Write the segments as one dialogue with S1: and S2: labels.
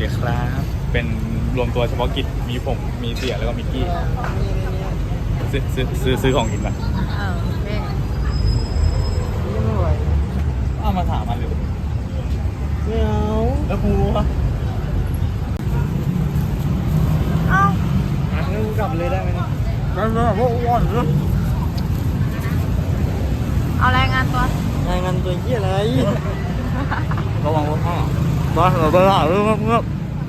S1: ดีครับเป็นรวมตัวเฉพาะกิจมีผมมีเสี่ยแล้วก็มิกกี้ซื้อของกินมา
S2: โอเค
S3: ไม่ไหว
S1: เอามาถามมันเลย
S3: ไม่เอา
S1: แล้วกูวะ
S2: เอ้า
S3: งั้นกูกลับเลยได้ไหมเนี่ย
S1: นั่นแหละพวกอ้วนเลย
S2: เอารายงานตัว
S3: รายงานตัวเหี้ยอะไร
S1: ระวังรถข้างบ้านเราไปหาเรื่องเงียบ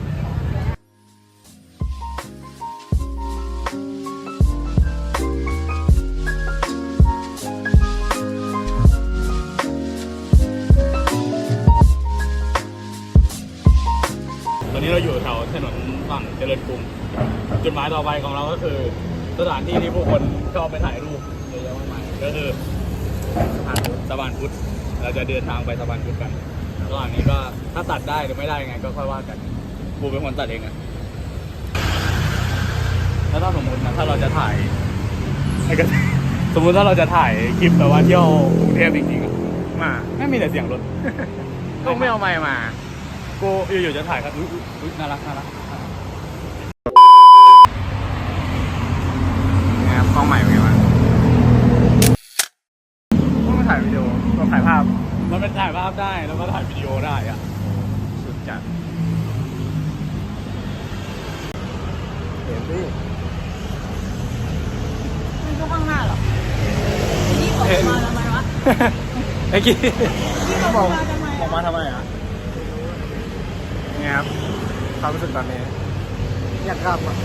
S1: ตอนนี้เราอยู่แถวถนนฝั่งเจริญกรุงจุดหมายต่อไปของเราก็คือสถานที่ที่ผู้คนชอบไปถ่ายรูปเยอะแยะมากมายก็คือสะพานพุทธเราจะเดินทางไปสะพานพุทธกันระหว่างนี้ก็ถ้าตัดได้หรือไม่ได้ยังไงก็ค่อยว่ากันกูเป็นคนตัดเองอะแล้วถ้าสมมตินะถ้าเราจะถ่ายสมมติถ้าเราจะถ่ายคลิปแบบว่าเที่ยวกรุงเทพจริงๆอะมาไม่มีแต่เสียงรถ ต้องไม่เอาไมค์มากูอยู่ๆจะถ่ายครับอุ๊ยน่ารักนะครับกล้องใหม่เป็นไงวะต้องมาถ่ายวิดีโอต้องถ่ายภาพมันเป็นถ่ายภาพได้แล้วก็ถ่ายวิดีโอได้อะสุดจัด
S3: เห็นดิ
S2: มันก็ข้างหน้าเหรอนี่ออกมาทำไมวะ
S1: ไอ้กี้
S2: นี่ออกมาทำไม
S1: ออกมาทำไมอ่ะนี่ครับความรู้สึกตอนนี้
S3: อยากกลับอ่ะ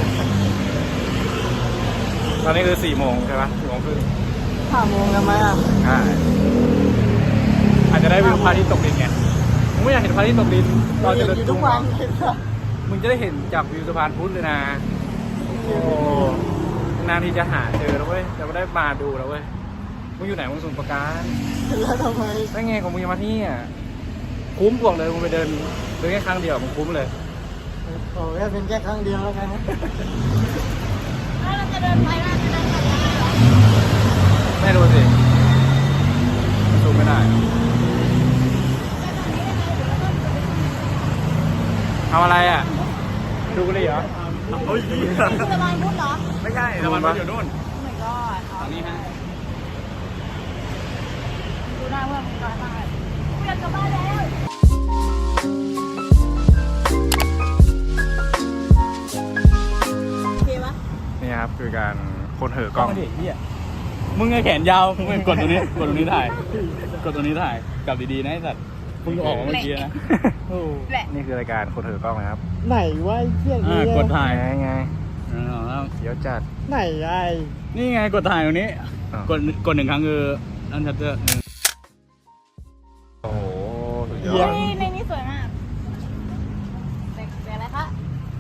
S1: ตอนนี้คือ4 โมงใช่ปะ4 โมงครึ่ง
S3: 5 โมงทำไมอ่ะ
S1: ใช่อาจจะได้วิวพระอาทิตย์ตกดินไงมึงไม่อยากเห็นพระอาทิตย์ตกดินเราจะเดิน
S3: ทุกวันเลยนะ
S1: มึงจะได้เห็นจากวิวสะพานพุทธเลยนะโอ้นานที่จะหาเจอแล้วเว้ยจะไม่ได้มาดูแล้วเว้ยมึงอยู่ไหนมึงสมุทรปราการ
S3: แล้วทำไม
S1: ได้ไงของมึงจะมาที่อ่ะคุ้มบอกเลยมึงไปเดินแค่ครั้งเดียวมึงคุ้มเลย
S3: โอ้ยเป็นแค่ครั้งเดียวแล้วกันนะ
S2: แล้วเราจะเดินไปได้จะเดินกลับได้เหรอ
S1: ไม่รู้สิซูมไม่ได้ทำอะไรอ่ะดูกันเลยเหรอเฮ้ย
S2: สะพานพุทธเหรอ
S1: ไม่ใช่สะพานพุทธอยู่นู่น
S2: โอ้ my god
S1: ตอนนี้ฮะ
S2: ดูหน้าเพื่อนมึงก่อนมากูอยากกลับบ้านแล้วโอเคปะ
S1: นี่ครับคือการคนเหอกล้องมึงไงแขนยาวมึงกดตรงนี้กดตรงนี้ถ่ายกดตรงนี้ถ่ายกลับดีๆนะไอ้สัตว์มึงออกมาเมื่อกี้นะ
S3: โอ้
S2: แหละ
S1: นี่คือรายการคนเหอกล้องนะครับ
S3: ไหนวะไอ้เหี้ยนี่
S1: กดถ่ายไง
S3: เดี๋ยวจัดไหนไอ้
S1: นี่ไงกดถ่ายตรงนี้กด1 ครั้งคือนั่นชัตเตอร์โอ้โหสุดยอ
S2: เฮ้
S1: ด
S2: ยในนี้สวยมากแต่อะไรคะ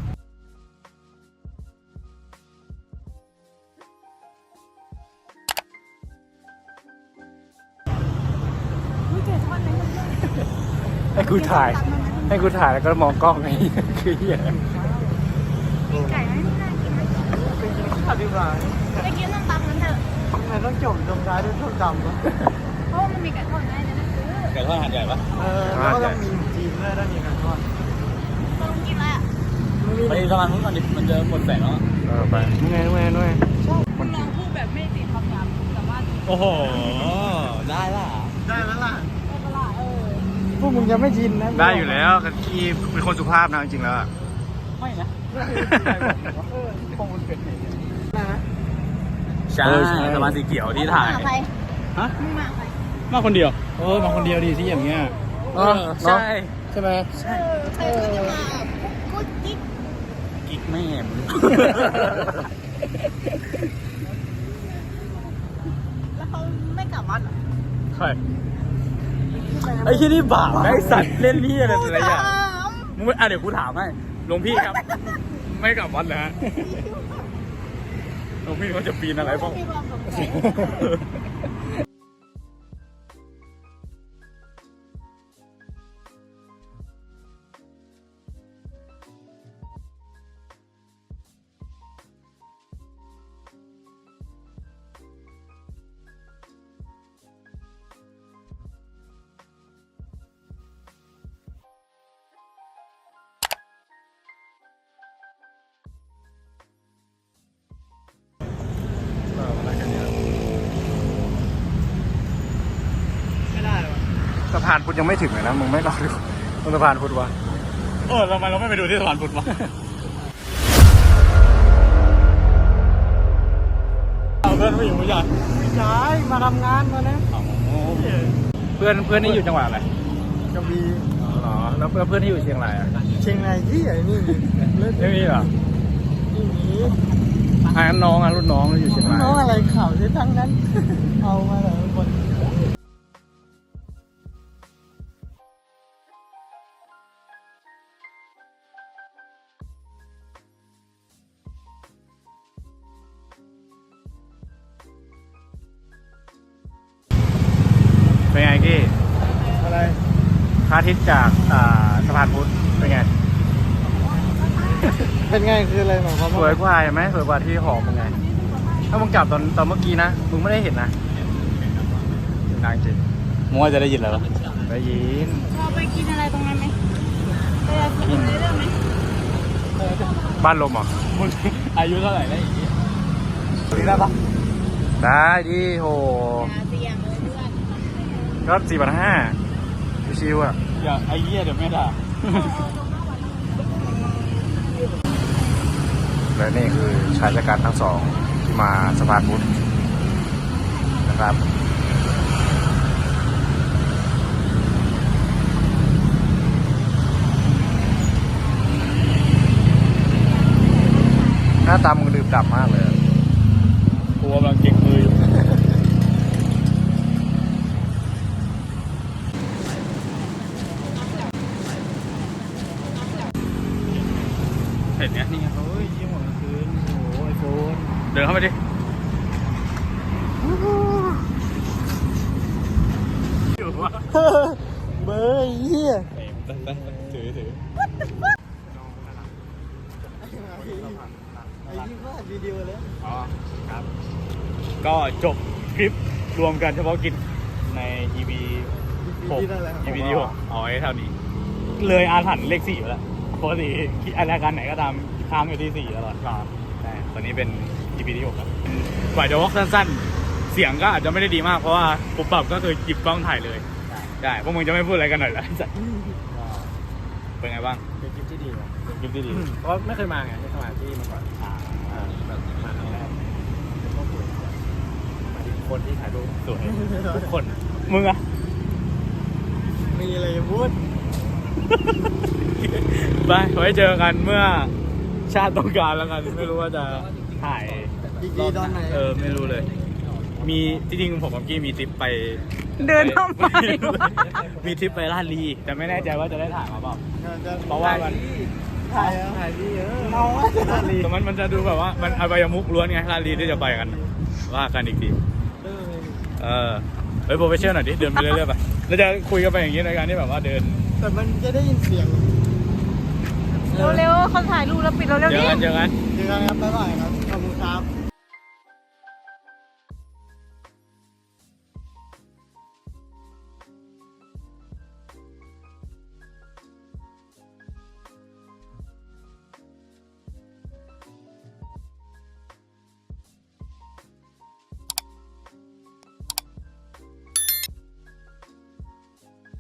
S2: อุ้ยเจ๋งมากเลย
S1: ให้กูถ่ายแล้วก็มองกล้องไงคือเหี้ย
S2: กินไก่ไหมไม่น่ากินนะ
S3: เป็นกินข้าวดีกว่า
S2: ไปกินน้ำตำนั้นเถอะ
S3: ทำไมต้องจบตรงท้ายด้วยส้มตำวะ
S2: เพราะว่ามันมีไก่ทอดได้จะได้ซื้อ
S1: ไก่ทอดหาดใหญ่ปะ
S3: แล้วก็ต้องมีจีนด้วยถ้ามีกันทอด
S2: ตรงกินอะไรอ่ะ
S1: ไปสะพานนู้นก่อนดิมันจะหมดแสงแล้วไปนู่นไงนู่น
S2: คุณลองพูดแบบไม่ติดคำหยาบแต่ว่า
S1: โอ้โหได้ละ
S3: ได้แล้วล่ะ
S2: เออตลาด
S3: พวกมึงยังไม่ชินนะ
S1: ได้อยู่แล้วกันที่เป็นคนสุภาพนะจริงๆแล้ว
S3: ไม่นะคงมันเป็นอย่างนี้นะ
S1: ใช่สะพานสีเขียวที่ถ่าย
S2: ใคร
S1: ฮะ
S2: มึงมาใคร
S1: มาคนเดียวมาคนเดียวดีที่อย่างเงี้ยใช่ใช่ไหม
S2: ใครก็จะมากูจิ๊ก
S1: กิ๊กแม่ม
S2: แล้วเขาไม่กลับวัดเหรอ
S1: ใช่ไอ้ที่นี่บาปไอ้สัตว์เล่นนี่อะไรแต่ละอย่างมึงเดี๋ยวกูถามให้หลวงพี่ครับ ไม่กลับวัดแล้วหลวงพี่เขาจะปีนอะไรบ้าง
S2: มีความสงสัย
S3: พานพุทธยังไม่ถึงเลยนะมึงไม่รอดูตรงสะพานพุทธวะ
S1: ทำไมเราไม่ไปดูที่สะพานพุทธวะเพื่อนผู้หญิงผู้ชาย
S3: ไม่ใช่มาทำงานมานะ
S1: เพื่อนนี่อยู่จังหวัดอะไร
S3: กระบี่
S1: อ๋อแล้วเพื่อนที่อยู่เชียงรายอ่ะ
S3: เชียงรายที่ไหนนี่เล่น
S1: ไม่มีเหรอ
S3: ที่นี้
S1: งั้นน้องรุ่นน้องอยู่เชียงราย
S3: น้องอะไรข่าวที่ทั้งนั้น เอามาแต่ละคน
S1: เป็นไงกี้
S3: อะไร
S1: พระอาทิตย์จากสะพานพุทธเป็นไง
S3: เป็นไงคืออะไรหมายความ
S1: สวยกว่าเห็นไหมสวยกว่าที่หอมึงไง ถ้ามึงกลับตอนเมื่อกี้นะ มึงไม่ได้เห็นนะนางจริงมึงว่าจะได้ยินแล้วได้ยิน
S2: เราไปกินอะไรตรงนั้นไหมไปกินเรื่องไหม
S1: บ้านลมเหรอมึงอายุเท่าไหร่ได้อีกนี่ได้ปะได้ดิโห
S2: เตียงเลยเพื่อน
S1: ก็4,500ชิวๆอ่ะอย่าไอ้เหี้ยเดี๋ยวไม่ด่าและนี่คือชายชะกันทั้งสองที่มาสะพานพุทธนะครับหน้าตามึงดื่มด่ำมากเลยกูกำลังเก่งมืออยู่เห็นเนี้ยนี่ไงเฮ้ยยี่ห้อกลางคืนโอ้โหไอโฟนเดินเข้าไปดิอยู่วะ
S3: เบอร์เหี้ย
S1: ถือ
S3: ไอ้ที่ว่าวิดีโอแล้ว
S1: อ๋อครับ ก็จบคลิปรวมกันเฉพาะกิจใน EP 6 EP ที่6เอาไว้เท่านี้ เลยอาถรรพ์เลข4ไปแล้วปกติรายการไหนก็ตามค้างอยู่ที่4ตลอดครับใช่ตอนนี้เป็น EP ที่6ครับกว่าจะวอล์กสั้นๆ เสียงก็อาจจะไม่ได้ดีมากเพราะว่าปุ๊บปับก็คือหยิบกล้องถ่ายเลยได้พวกมึงจะไม่พูดอะไรกันหน่อยเหรอเป็นไงบ้าง
S3: เป็นคลิปที่ดีนะ
S1: คลิปที่ดี
S3: เพราะไม่เคยมาไงไม่เคยมาที่มาก่อนแบบมาครั้งแรกก็คุยมาถึงคนที่ถ่ายรูป
S1: สวยทุกคนมึงอะ
S3: มีอะไรจะพูด
S1: ไปไว้เจอกันเมื่อชาติต้องการแล้วกันไม่รู้ว่าจะถ่าย
S3: อีกทีตอนไหน
S1: ไม่รู้เลย มีจริงๆผมกับกี้มีทริปไป
S2: เดินทำไม
S1: มีทริปไปลาดลีแต่ไม่แน่ใจว่าจะได้ถ่ายมาเปล่า เพราะว่ามัน
S3: ถ่ายที่เมาอะ
S1: แต่มันจะดูแบบว่ามันอบายมุกล้วนไงลาดลีที่จะไปกันว่ากันอีกทีเฮ้ยโปรเฟชชั่นหน่อยดิเดินไปเรื่อยๆไปเราจะคุยกันไปอย่างนี้ในการที่แบบว่าเดิน
S3: แต่มันจะได้ยินเสียง
S2: เร็วๆเขาถ่ายรูปแล้วปิดเราเร็ว
S1: เจอ
S2: ดิ
S1: กัน
S3: เจอกันครับบ๊ายบายครับ